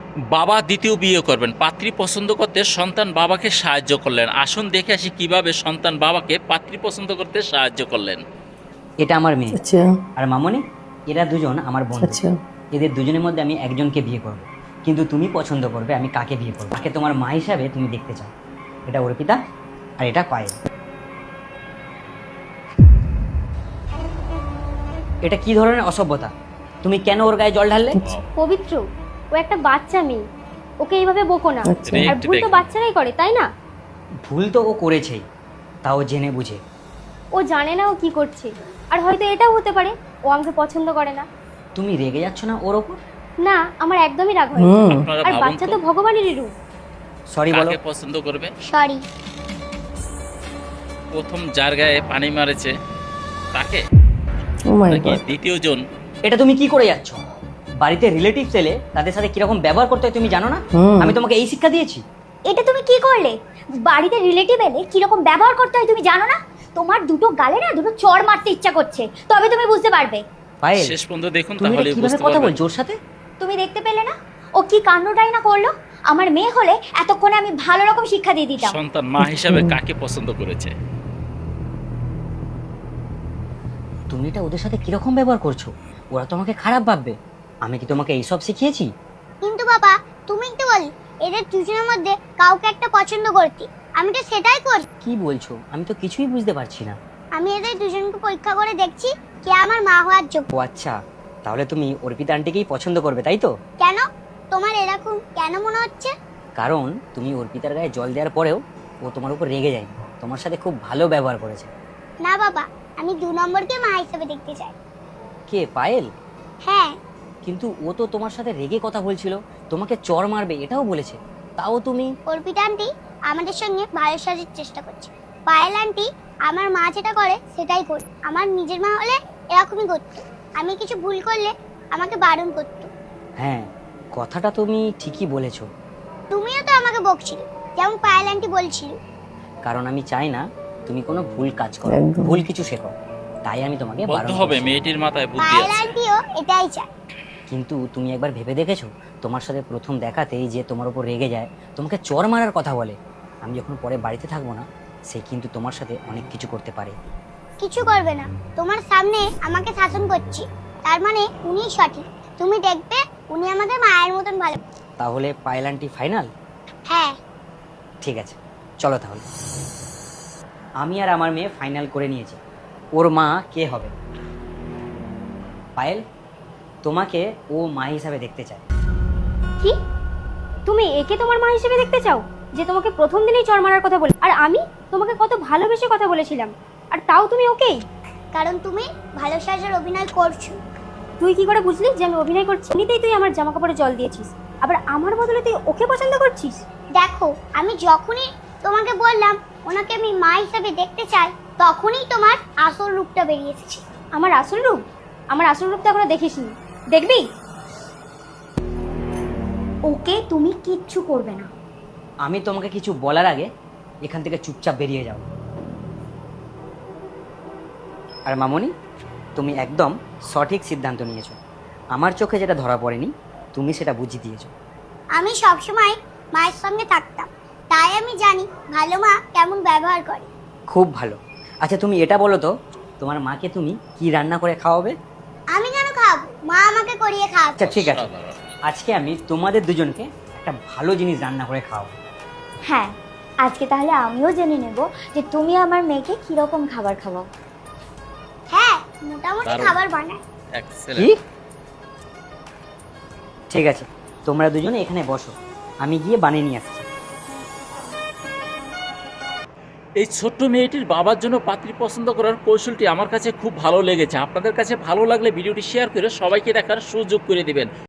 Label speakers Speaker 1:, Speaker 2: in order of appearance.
Speaker 1: বাবা দ্বিতীয় বিয়ে করবেন, পাত্রী পছন্দ করতে সন্তান বাবাকে সাহায্য করলেন। আসুন দেখে আসি কিভাবে সন্তান বাবাকে পাত্রী পছন্দ করতে সাহায্য করলেন।
Speaker 2: এটা আমার মেয়ে।
Speaker 3: আচ্ছা
Speaker 2: আর মামনি, এরা দুজন আমার বন্ধু।
Speaker 3: আচ্ছা
Speaker 2: এদের দুজনের মধ্যে আমি একজনকে বিয়ে করব, কিন্তু তুমি পছন্দ করবে আমি কাকে বিয়ে করবো, কাকে তোমার মা হিসাবে তুমি দেখতে চাও। এটা অর্পিতা আর এটা পায়েল। এটা কি ধরনের অসভ্যতা? তুমি কেন ওর গায়ে জল ঢাললে?
Speaker 4: পবিত্র, ও একটা বাচ্চা মেয়ে, ওকে এইভাবে বকো না।
Speaker 3: আচ্ছা।
Speaker 4: আর ভুল তো বাচ্চারাই করে, তাই না?
Speaker 2: ভুল তো ও করেছেই, তাও জেনে বুঝে।
Speaker 4: ও জানে না ও কি করছে, আর হয়তো এটাও হতে পারে ও আমাকে পছন্দ করে না।
Speaker 2: তুমি রেগে যাচ্ছ না ওর ওপর?
Speaker 4: না, আমার একদমই রাগ হয় না।
Speaker 3: হুম
Speaker 1: আপনারা
Speaker 4: আর
Speaker 1: ভাবুন
Speaker 4: বাচ্চা
Speaker 1: তো,
Speaker 4: তো ভগবানেরই রূপ।
Speaker 2: সরি বলো।
Speaker 1: কাকে পছন্দ করবে?
Speaker 4: সরি।
Speaker 1: প্রথম যার গায়ে পানি মারেছে তাকে,
Speaker 3: ও মাই
Speaker 1: নাকি
Speaker 3: গড
Speaker 1: দ্বিতীয় জন?
Speaker 2: এটা তুমি কি করে যাচ্ছ? বাড়িতে রিলেটিভস এলে তাদের সাথে কিরকম ব্যবহার করতে হয় তুমি জানো না?
Speaker 3: হুম।
Speaker 2: আমি তোমাকে এই শিক্ষা দিয়েছি?
Speaker 5: এটা তুমি কি করলে? বাড়িতে রিলেটিভ এলে কিরকম ব্যবহার করতে হয় তুমি জানো না? তোমার দুটো গালে না দুটো চড় মারতে ইচ্ছা করছে, তবে তুমি বুঝতে পারবে।
Speaker 2: পায়েল,
Speaker 1: শেষ পর্যন্ত দেখুন
Speaker 2: তুমি এটা
Speaker 1: তাহলে
Speaker 2: কিভাবে
Speaker 1: বুঝতে
Speaker 2: কথা
Speaker 1: পারবেন।
Speaker 2: বলছো ওর সাথে?
Speaker 5: তুমি দেখতে পেলে না ও কি কাণ্ডটাই না করলো? আমার মেয়ে হলে এতক্ষণে আমি ভালো রকম শিক্ষা দিয়ে দিতাম।
Speaker 1: সন্তান মা হিসাবে কাকে পছন্দ করেছে?
Speaker 2: তুমি এটা ওদের সাথে কিরকম ব্যবহার করছো? ওরা তোমাকে খারাপ ভাববে। আমি কি তোমাকে এইসব শিখিয়েছি?
Speaker 5: কিন্তু বাবা, তুমি তো বল এদের দুজনের মধ্যে কাউকে একটা পছন্দ করতে, আমি তো সেটাই করি।
Speaker 2: কি বলছো? আমি তো কিছুই বুঝতে পারছি না।
Speaker 5: আমি এদের দুজনকে পরীক্ষা করে দেখছি কে আমার মা হওয়ার যোগ্য।
Speaker 2: ও আচ্ছা, তাহলে তুমি অর্পিতা আন্টিকেই পছন্দ করবে তাই তো?
Speaker 5: কেন? তোমার এরকম কেন মনে হচ্ছে?
Speaker 2: কারণ তুমি অর্পিতার গায়ে জল দেওয়ার পরেও ও তোমার উপর রেগে যায়নি, তোমার সাথে খুব ভালো ব্যবহার করেছে।
Speaker 5: না বাবা, আমি 2 নম্বরকে মা হিসেবে দেখতে চাই।
Speaker 2: কে, পায়েল?
Speaker 5: হ্যাঁ।
Speaker 2: কিন্তু ও তো তোমার সাথে রেগে কথা বলছিল, তোমাকে চড় মারবে এটাও বলেছে, তাও তুমি?
Speaker 5: অর্পিতা আন্টি আমাদের সঙ্গে ভালো সাজার চেষ্টা করছে। পায়েল আন্টি আমার মা যেটা করে সেটাই করে। আমার নিজের মা হলে এরকমই করতো। আমি কিছু ভুল করলে আমাকে বারণ করতো।
Speaker 2: হ্যাঁ, কথাটা তুমি ঠিকই বলেছো।
Speaker 5: তুমিও তো আমাকে বকছিলে, যেমন পায়েল আন্টি বলছিল।
Speaker 2: কারণ আমি চাই না তুমি কোনো ভুল কাজ করো,
Speaker 3: একদম।
Speaker 2: ভুল কিছু শেখো, তাই আমি তোমাকে
Speaker 1: বলতে
Speaker 2: বারণ
Speaker 1: হবে
Speaker 2: করছি।
Speaker 1: মেয়েটির মাথায় বুদ্ধি
Speaker 5: পায়েল
Speaker 1: আছে।
Speaker 5: আন্টিও এটাই চায়।
Speaker 2: কিন্তু তুমি একবার ভেবে দেখেছো, তোমার সাথে প্রথম দেখাতেই যে তোমার উপর রেগে যায়, তোমাকে চড় মারার কথা বলে, আমি যখন পরে বাড়িতে থাকবো না, সে কিন্তু তোমার সাথে অনেক কিছু করতে পারে।
Speaker 5: কিছু করবে না, তোমার সামনে আমাকে শাসন করছি, তার মানে উনিই সঠিক। তুমি দেখবে উনি আমাদের মায়ের মতন ভালো।
Speaker 2: তাহলে পায়েল আন্টি ফাইনাল?
Speaker 5: হ্যাঁ।
Speaker 2: ঠিক আছে, চলো তাহলে। আমি আর আমার মেয়ে ফাইনাল করে নিয়েছি, ওর মা কে হবে। পায়েল, তোমাকে ও মা হিসাবে দেখতে চায়।
Speaker 4: কি? তুমি একে তোমার মা হিসেবে দেখতে চাও, যে তোমাকে প্রথম দিনেই চড় মারার কথা বলে? আর আমি তোমাকে কত ভালোবেসে কথা বলেছিলাম, আর তাও তুমি ওকেই?
Speaker 5: কারণ তুমি ভালো সাজার অভিনয় করছো।
Speaker 4: তুই কি করে বুঝলি যে আমি অভিনয় করছি? এমনিতেই তুই আমার জামা কাপড়ে জল দিয়েছিস, আবার আমার বদলে তুই ওকে পছন্দ করছিস?
Speaker 5: দেখো, আমি যখনই তোমাকে বললাম ওনাকে আমি মা হিসাবে দেখতে চাই, তখনই তোমার আসল রূপটা বেরিয়ে এসেছে।
Speaker 4: আমার আসল রূপ? আমার আসল রূপ তো এখনো দেখিসনি, দেখবি?
Speaker 5: ওকে তুমি কিচ্ছু করবে না।
Speaker 2: আমি তোমাকে কিছু বলার আগে এখান থেকে চুপচাপ বেরিয়ে যাও। আর মামনি, তুমি একদম সঠিক সিদ্ধান্ত নিয়েছো। আমার চোখে যেটা ধরা পড়েনি, তুমি সেটা বুঝিয়ে দিয়েছো।
Speaker 5: আমি সবসময় মায়ের সঙ্গে থাকতাম, তাই আমি জানি ভালো মা কেমন ব্যবহার করে।
Speaker 2: খুব ভালো। আচ্ছা তুমি এটা বলো তো, তোমার মাকে তুমি কি রান্না করে খাওয়াবে?
Speaker 5: আমি কেন খাওয়াবো? মা আমাকে করিয়ে খাওয়াবে।
Speaker 2: আচ্ছা ঠিক আছে,
Speaker 1: সাধারণ।
Speaker 2: আজকে আমি তোমাদের দুজনকে একটা ভালো জিনিস রান্না করে খাওয়াবো।
Speaker 5: হ্যাঁ, আজকে তাহলে আমিও জেনে নেব যে তুমি আমার মেয়েকে কিরকম খাবার খাওয়াও। হ্যাঁ, মোটামুটি
Speaker 1: দারুণ।
Speaker 5: খাবার বানায়।
Speaker 2: কি?
Speaker 1: এক্সেলেন্ট।
Speaker 2: ঠিক আছে, তোমরা দুজনে এখানে বসো, আমি গিয়ে বানিয়ে নিয়ে আসছি।
Speaker 1: এই ছোট্ট মেয়েটির বাবার জন্য পাত্রী পছন্দ করার কৌশলটি আমার কাছে খুব ভালো লেগেছে। আপনাদের কাছে ভালো লাগলে ভিডিওটি শেয়ার করে সবাইকে দেখার সুযোগ করে দিবেন।